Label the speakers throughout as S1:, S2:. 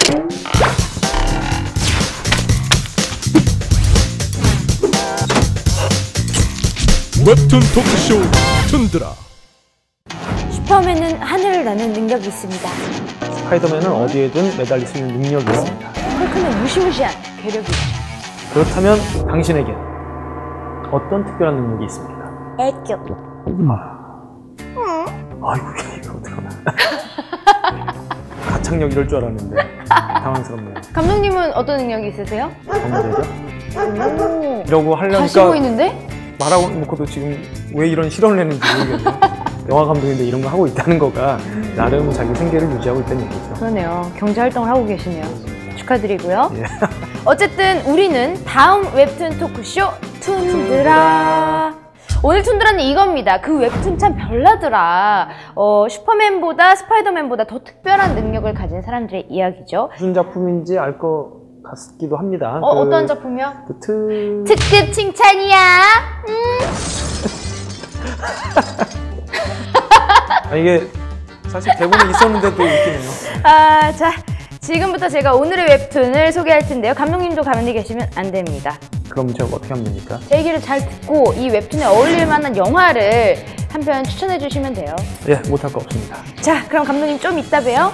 S1: 웹툰 토크쇼 툰드라.
S2: 슈퍼맨은 하늘을 나는 능력이 있습니다.
S3: 스파이더맨은 어디에든 매달릴 수 있는 능력이 있습니다.
S2: 헐크는 무시무시한 괴력이 있죠.
S3: 그렇다면 당신에겐 어떤 특별한 능력이 있습니까?
S2: 애교.
S3: 아이고 이거 어떡하나. 가창력 이럴 줄 알았는데 당황스럽네요.
S2: 감독님은 어떤 능력이 있으세요?
S3: 정말이죠?
S2: 오.
S3: 이러고 하려니까
S2: 다시 보이는데?
S3: 말하고 놓고도 지금 왜 이런 실언을 했는지 모르겠네요. 영화 감독인데 이런 거 하고 있다는 거가 나름 자기 생계를 유지하고 있다는 얘기죠.
S2: 그러네요. 경제활동을 하고 계시네요. 축하드리고요.
S3: 예.
S2: 어쨌든 우리는 다음 웹툰 토크쇼 툰드라. 오늘 툰드라는 이겁니다. 그 웹툰 참 별나더라. 슈퍼맨보다 스파이더맨보다 더 특별한 능력을 가진 사람들의 이야기죠.
S3: 무슨 작품인지 알 것 같기도 합니다.
S2: 어떤 작품이요?
S3: 특급
S2: 칭찬이야.
S3: 이게 사실 대본에 있었는데도 웃기네요.
S2: 자, 지금부터 제가 오늘의 웹툰을 소개할 텐데요. 감독님도 가만히 계시면 안 됩니다.
S3: 그럼 제가 어떻게 하면 됩니까?
S2: 제 얘기를 잘 듣고 이 웹툰에 어울릴 만한 영화를 한 편 추천해 주시면 돼요.
S3: 예, 못할 거 없습니다.
S2: 자, 그럼 감독님 좀 이따 봬요.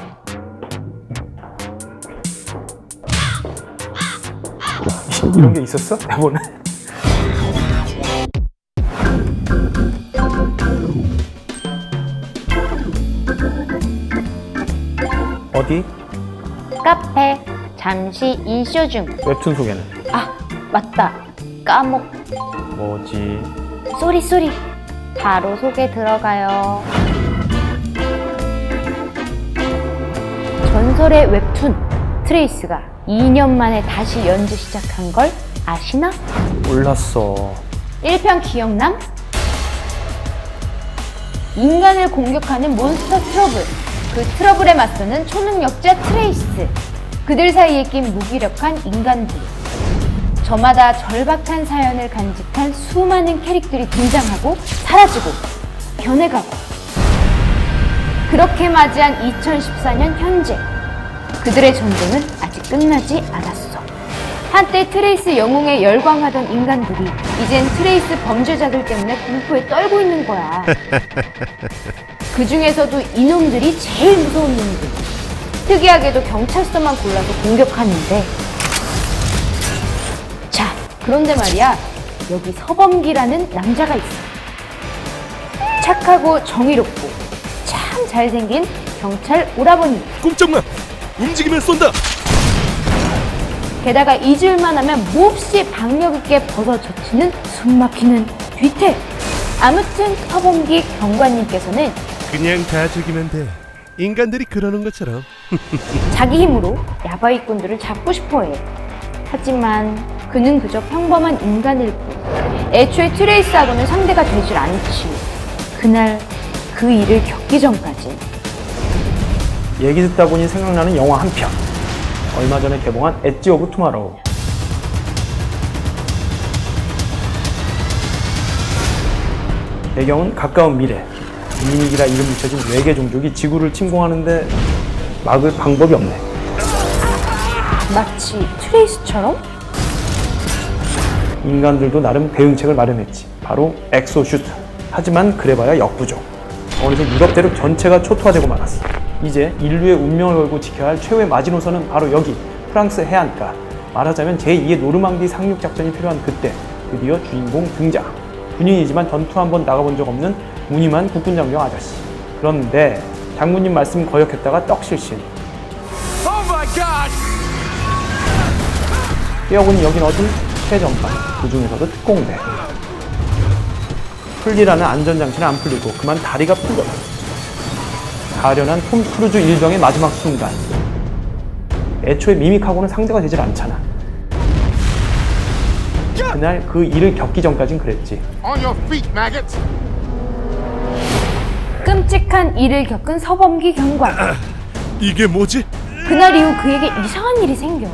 S3: 이런 게 있었어? 대본에? 어디?
S2: 카페 잠시 인쇼 중.
S3: 웹툰 소개는?
S2: 맞다. 까먹.
S3: 뭐지?
S2: 쏘리. 바로 소개 들어가요. 전설의 웹툰 트레이스가 2년 만에 다시 연재 시작한 걸 아시나?
S3: 몰랐어.
S2: 1편 기억남? 인간을 공격하는 몬스터 트러블. 그 트러블에 맞서는 초능력자 트레이스. 그들 사이에 낀 무기력한 인간들. 저마다 절박한 사연을 간직한 수많은 캐릭터들이 등장하고 사라지고 변해가고. 그렇게 맞이한 2014년 현재. 그들의 전쟁은 아직 끝나지 않았어. 한때 트레이스 영웅에 열광하던 인간들이 이젠 트레이스 범죄자들 때문에 공포에 떨고 있는 거야. 그 중에서도 이놈들이 제일 무서운 놈들. 특이하게도 경찰서만 골라서 공격하는데. 자, 그런데 말이야, 여기 서범기라는 남자가 있어. 착하고 정의롭고 참 잘생긴 경찰 오라버니.
S1: 꼼짝마! 움직이면 쏜다!
S2: 게다가 잊을만 하면 몹시 박력있게 벗어젖히는 숨막히는 뒤태. 아무튼 서범기 경관님께서는
S1: 그냥 다 죽이면 돼. 인간들이 그러는 것처럼.
S2: 자기 힘으로 야바이꾼들을 잡고 싶어해. 하지만 그는 그저 평범한 인간일 뿐. 애초에 트레이스하고는 상대가 되질 않지. 그날 그 일을 겪기 전까지.
S3: 얘기 듣다 보니 생각나는 영화 한 편. 얼마 전에 개봉한 엣지 오브 투마로우. 배경은 가까운 미래. 이민이라 이름 붙여진 외계 종족이 지구를 침공하는데 막을 방법이 없네.
S2: 마치 트레이스처럼?
S3: 인간들도 나름 대응책을 마련했지. 바로 엑소슈트. 하지만 그래봐야 역부족. 어느새 유럽 대륙 전체가 초토화되고 말았어. 이제 인류의 운명을 걸고 지켜야 할 최후의 마지노선은 바로 여기, 프랑스 해안가. 말하자면 제2의 노르망디 상륙 작전이 필요한 그때 드디어 주인공 등장. 군인이지만 전투 한번 나가본 적 없는 무늬만 국군 장병 아저씨. 그런데 장군님 말씀 거역했다가 떡실신. 뛰어보니 여긴 어디? 최전방. 그 중에서도 특공대. 풀리라는 안전장치는 안 풀리고 그만 다리가 풀려. 가련한 톰 크루즈 일병의 마지막 순간. 애초에 미믹하고는 상대가 되질 않잖아. 그날 그 일을 겪기 전까진 그랬지.
S2: 끔찍한 일을 겪은 서범기 경관.
S1: 이게 뭐지?
S2: 그날 이후 그에게 이상한 일이 생겨.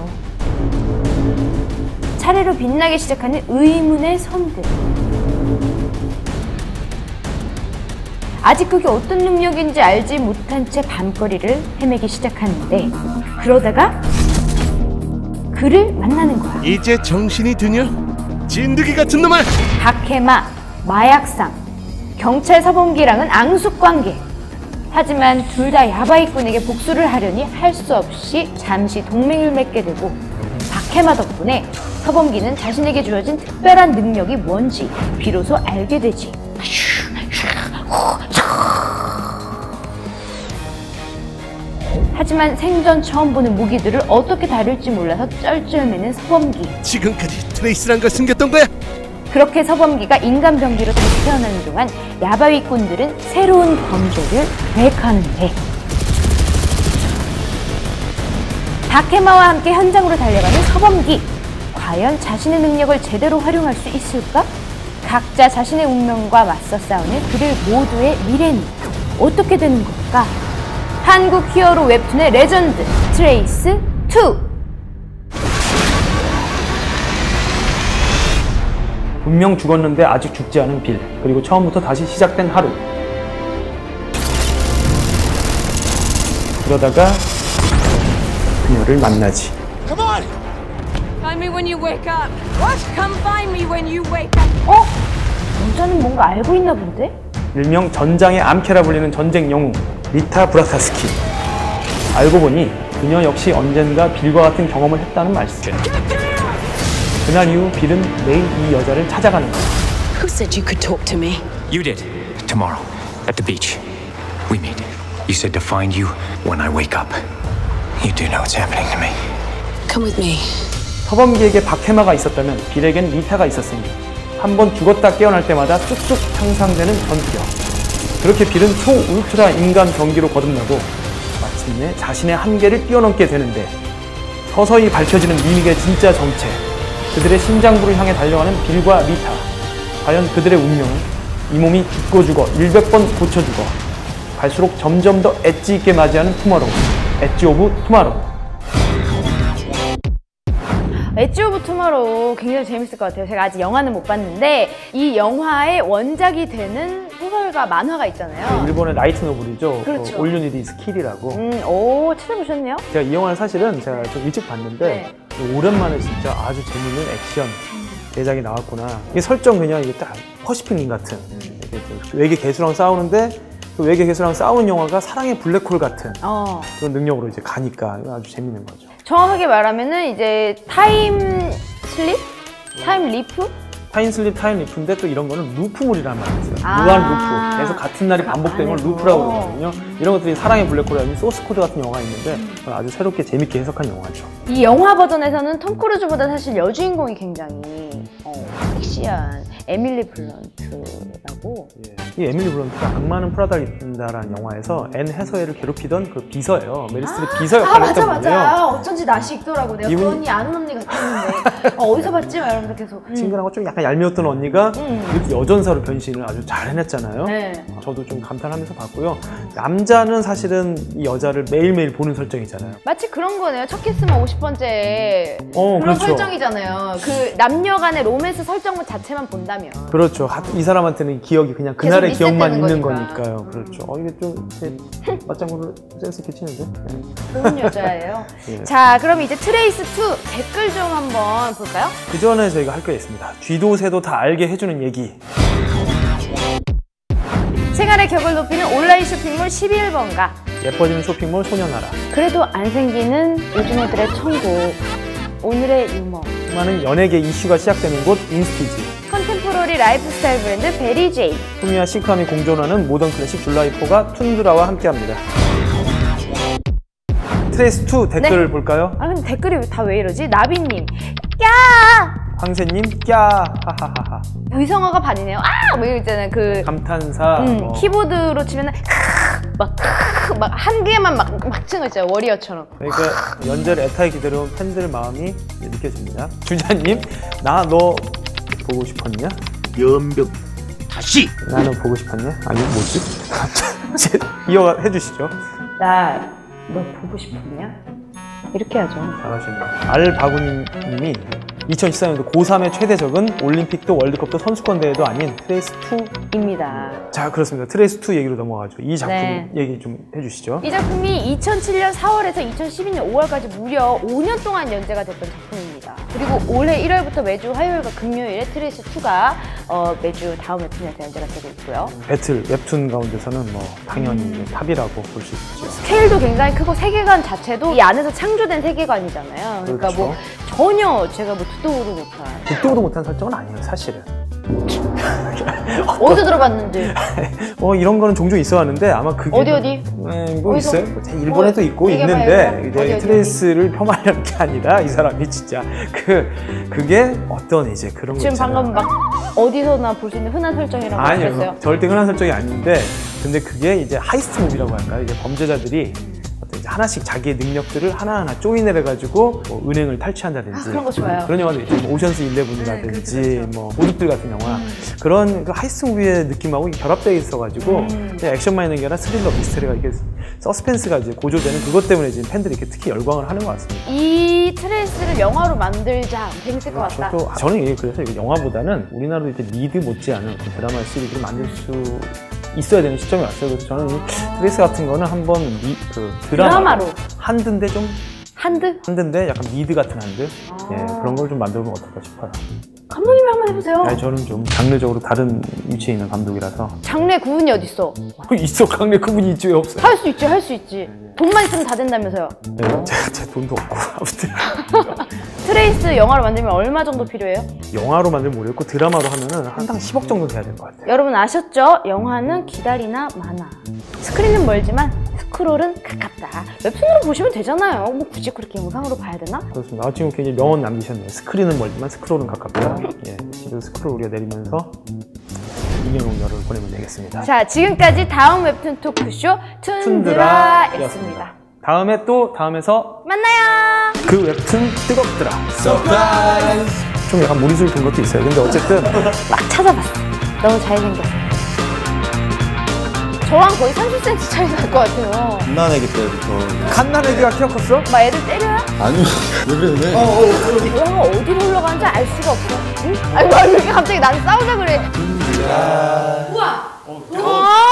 S2: 차례로 빛나기 시작하는 의문의 선들. 아직 그게 어떤 능력인지 알지 못한 채 밤거리를 헤매기 시작하는데 그러다가 그를 만나는 거야.
S1: 이제 정신이 드냐? 진드기 같은 놈아!
S2: 박해마, 마약상, 경찰 서범기랑은 앙숙관계. 하지만 둘 다 야바이꾼에게 복수를 하려니 할 수 없이 잠시 동맹을 맺게 되고 박해마 덕분에 서범기는 자신에게 주어진 특별한 능력이 뭔지 비로소 알게 되지. 하지만 생전 처음 보는 무기들을 어떻게 다룰지 몰라서 쩔쩔매는 서범기.
S1: 지금까지 트레이스란 걸 숨겼던 거야?
S2: 그렇게 서범기가 인간 병기로 다시 태어나는 동안 야바위꾼들은 새로운 범죄를 계획하는데 다케마와 함께 현장으로 달려가는 서범기. 과연 자신의 능력을 제대로 활용할 수 있을까? 각자 자신의 운명과 맞서 싸우는 그들 모두의 미래는 어떻게 되는 걸까? 한국 히어로 웹툰의 레전드 트레이스 2.
S3: 분명 죽었는데 아직 죽지 않은 빌, 그리고 처음부터 다시 시작된 하루. 그러다가 그녀를 만나지.
S4: Come on! Find me when you wake up. What? Come find me when you wake up.
S2: 여자는 뭔가 알고 있나 본데?
S3: 일명 전장의 암캐라 불리는 전쟁 영웅 리타 브라타스키. 알고 보니 그녀 역시 언젠가 빌과 같은 경험을 했다는 말씀. 그날 이후 빌은 매일 이 여자를 찾아가는 거야.
S4: Who said you could talk to me?
S5: You did. Tomorrow, at the beach. We meet. You said to find you when I wake up. You do know what's happening to me.
S4: Come with me.
S3: 서범기에게 박해마가 있었다면 빌에겐 리타가 있었으니 한 번 죽었다 깨어날 때마다 쑥쑥 향상되는 전투력. 그렇게 빌은 초울트라 인간 병기로 거듭나고 마침내 자신의 한계를 뛰어넘게 되는데 서서히 밝혀지는 미믹의 진짜 정체. 그들의 심장부를 향해 달려가는 빌과 리타. 과연 그들의 운명은 이 몸이 죽고 죽어 100번 고쳐 죽어 갈수록 점점 더 엣지 있게 맞이하는 투마로우. 엣지 오브 투마로우.
S2: 엣지 오브 투마로우 굉장히 재밌을 것 같아요. 제가 아직 영화는 못 봤는데 이 영화의 원작이 되는 소설과 만화가 있잖아요.
S3: 일본의 라이트 노블이죠.
S2: 그렇죠.
S3: All You Need Is Kill이라고.
S2: 오, 찾아보셨네요?
S3: 제가 이 영화를 사실은 제가 좀 일찍 봤는데 오랜만에 진짜 아주 재밌는 액션 대작이 나왔구나. 이게 설정 그냥 이게 딱 퍼시픽 린 같은 이게 그 외계 개수랑 싸우는데 그 외계 개수랑 싸우는 영화가 사랑의 블랙홀 같은 그런 능력으로 이제 가니까 아주 재밌는 거죠.
S2: 정확하게 말하면은 이제 타임 슬립? 타임 리프?
S3: 타임 슬립, 타임 리프인데 또 이런 거는 루프물이라는 말이 있어요.
S2: 아.
S3: 무한 루프. 그래서 같은 날이 반복되는 걸 루프라고 그러거든요. 이런 것들이 사랑의 블랙홀이 소스 코드 같은 영화가 있는데 아주 새롭게 재밌게 해석한 영화죠.
S2: 이 영화 버전에서는 톰 크루즈보다 사실 여주인공이 굉장히 섹시한 에밀리 블런트라고.
S3: 이 에밀리 블런트가 악마는 프라다를 입는다라는 영화에서 앤 해서웨이를 괴롭히던 그 비서예요. 메리 스트립 비서 역할을 했던 분이에요.
S2: 맞아. 어쩐지 낯이 익더라고. 내가
S3: 이분-
S2: 그 언니 아는 언니 같았는데 어디서 봤지? 막 이러면서 계속.
S3: 친근하고 좀 약간 얄미웠던 언니가 이렇게 여전사로 변신을 아주 잘 해냈잖아요.
S2: 네.
S3: 저도 좀 감탄하면서 봤고요. 남자는 사실은 이 여자를 매일매일 보는 설정이잖아요.
S2: 마치 그런 거네요. 첫 키스만 50번째 그런
S3: 그렇죠.
S2: 설정이잖아요. 그 남녀 간의 로맨스 설정물 자체만 본다면.
S3: 그렇죠. 이 사람한테는 기억이 그냥
S2: 계속
S3: 그날의 기억만
S2: 리셋되는
S3: 있는
S2: 거니까.
S3: 거니까요. 그렇죠. 이게 좀 맞장구를 센스 있게 치는데. 네.
S2: 좋은 여자예요.
S3: 예.
S2: 자, 그럼 이제 트레이스 2 댓글 좀 한번 볼까요?
S3: 그 전에 저희가 할 게 있습니다. 쥐도 새도 다 알게 해주는 얘기.
S2: 생활의 격을 높이는 온라인 쇼핑몰 11번가.
S3: 예뻐지는 쇼핑몰 소녀나라.
S2: 그래도 안 생기는 요즘애들의 천국. 오늘의 유머.
S3: 수많은 연예계 이슈가 시작되는 곳 인스티지.
S2: 컨템포러리 라이프스타일 브랜드 베리제이.
S3: 품위와 시크함이 공존하는 모던 클래식 줄라이포가 툰드라와 함께합니다. 트레이스 2 댓글을 볼까요?
S2: 아 근데 댓글이 다 왜 이러지? 나비님. 야!
S3: 황새님 꺄 하하하하.
S2: 의성어가 반이네요. 아! 뭐 이거 있잖아요. 그
S3: 감탄사. 뭐.
S2: 키보드로 치면은 막 한 개만 막 치는 거 있잖아요. 워리어처럼.
S3: 그러니까 연재를 애타게 기다려온 팬들 마음이 느껴집니다. 주자님, 나 너 보고 싶었냐?
S1: 연병 다시
S3: 나는 보고 싶었냐? 아니 뭐지? 이어가 해주시죠.
S2: 나 너 보고 싶었냐? 이렇게 하죠.
S3: 잘하시네요. 알바구님이 2014년도 고3의 최대적은 올림픽도 월드컵도 선수권 대회도 아닌 트레이스2.
S2: 입니다.
S3: 자, 그렇습니다. 트레이스2 얘기로 넘어가죠. 이 작품
S2: 네.
S3: 얘기 좀 해주시죠.
S2: 이 작품이 2007년 4월에서 2012년 5월까지 무려 5년 동안 연재가 됐던 작품입니다. 그리고 올해 1월부터 매주 화요일과 금요일에 트레이스2가 매주 다음 웹툰에서 연재가 되고 있고요.
S3: 배틀 웹툰 가운데서는 뭐 당연히 이제 탑이라고 볼 수 있죠.
S2: 스케일도 굉장히 크고 세계관 자체도 이 안에서 창조된 세계관이잖아요. 그러니까
S3: 그렇죠.
S2: 뭐 전혀 제가 뭐 듣도 보도 못한
S3: 듣도 보도 못한 설정은 아니에요, 사실은.
S2: 어디서 들어봤는지.
S3: 이런 거는 종종 있어 왔는데 아마 그게
S2: 어디?
S3: 뭐
S2: 어디서?
S3: 있어요? 일본에도 있고
S2: 얘기해봐요,
S3: 있는데
S2: 얘기해봐.
S3: 이제
S2: 어디?
S3: 트레이스를 폄하하려는 게 아니라 이 사람이 진짜 그게 어떤 이제 그런 거
S2: 지금
S3: 있잖아요.
S2: 방금 막 어디서나 볼 수 있는 흔한 설정이라고
S3: 아니요,
S2: 하셨어요?
S3: 절대 흔한 설정이 아닌데 근데 그게 이제 하이스트 무비라고 할까요? 이제 범죄자들이 어떤 이제 하나씩 자기의 능력들을 하나하나 조인을 해가지고 뭐 은행을 탈취한다든지
S2: 그런 거 좋아요.
S3: 그런 영화도 있죠. 뭐 오션스 11이라든지 뭐 도둑들 같은 영화 그런 그 하이스트 무비의 느낌하고 결합되어 있어가지고 그냥 액션만 있는 게 아니라 스릴러 미스터리가 이게 서스펜스가 이제 고조되는 그것 때문에 지금 팬들이 이렇게 특히 열광을 하는 것 같습니다.
S2: 이 트레이스를 영화로 만들자 재밌을 것 같다.
S3: 저는 이게 그래서 이게 영화보다는 우리나라도 이제 리드 못지않은 드라마 시리즈를 만들 수 있어야 되는 시점이 왔어요. 그래서 저는 이 트레이스 같은 거는 한번 드라마로 한드인데 좀 한드인데 약간 미드 같은 한드 예, 그런 걸 좀 만들면 어떨까 싶어요.
S2: 감독님이 한번 해보세요.
S3: 아니, 저는 좀 장르적으로 다른 위치에 있는 감독이라서
S2: 장르 구분이 어딨어?
S3: 있어 강래 그분이 있지 왜 없어요?
S2: 할 수 있지, 할 수 있지. 돈만 있으면 다 된다면서요.
S3: 네, 제 돈도 없고 아무튼
S2: 트레이스 영화로 만들면 얼마 정도 필요해요?
S3: 영화로 만들면 모르겠고 드라마로 하면은 한당 10억 정도 돼야 될 것 같아요.
S2: 여러분 아셨죠? 영화는 기다리나 마나. 스크린은 멀지만 스크롤은 가깝다. 웹툰으로 보시면 되잖아요. 뭐 굳이 그렇게 영상으로 봐야 되나?
S3: 그렇습니다. 지금 굉장히 명언 남기셨네요. 스크린은 멀지만 스크롤은 가깝다. 예, 지금 스크롤 우리가 내리면서 인형용열을 보내면 되겠습니다.
S2: 자, 지금까지 다음 웹툰 토크쇼 툰드라였습니다.
S3: 다음에서
S2: 만나요.
S3: 그 웹툰 뜨겁더라. 서프라이즈! 좀 약간 무리수를 둔 것도 있어요. 근데 어쨌든
S2: 막 찾아봤어. 너무 잘생겼어. 저랑 거의 30cm 차이 날 것 같아요.
S6: 갓난애기 때부터.
S3: 갓난애기가 키가 컸어?
S2: 막 애들 때려요?
S6: 아니요. 왜 그래?
S2: 영화가 어디로 흘러가는지 알 수가 없어. 응? 아니, 왜 이렇게 갑자기 나를 싸우자 그래. 우와! 우와!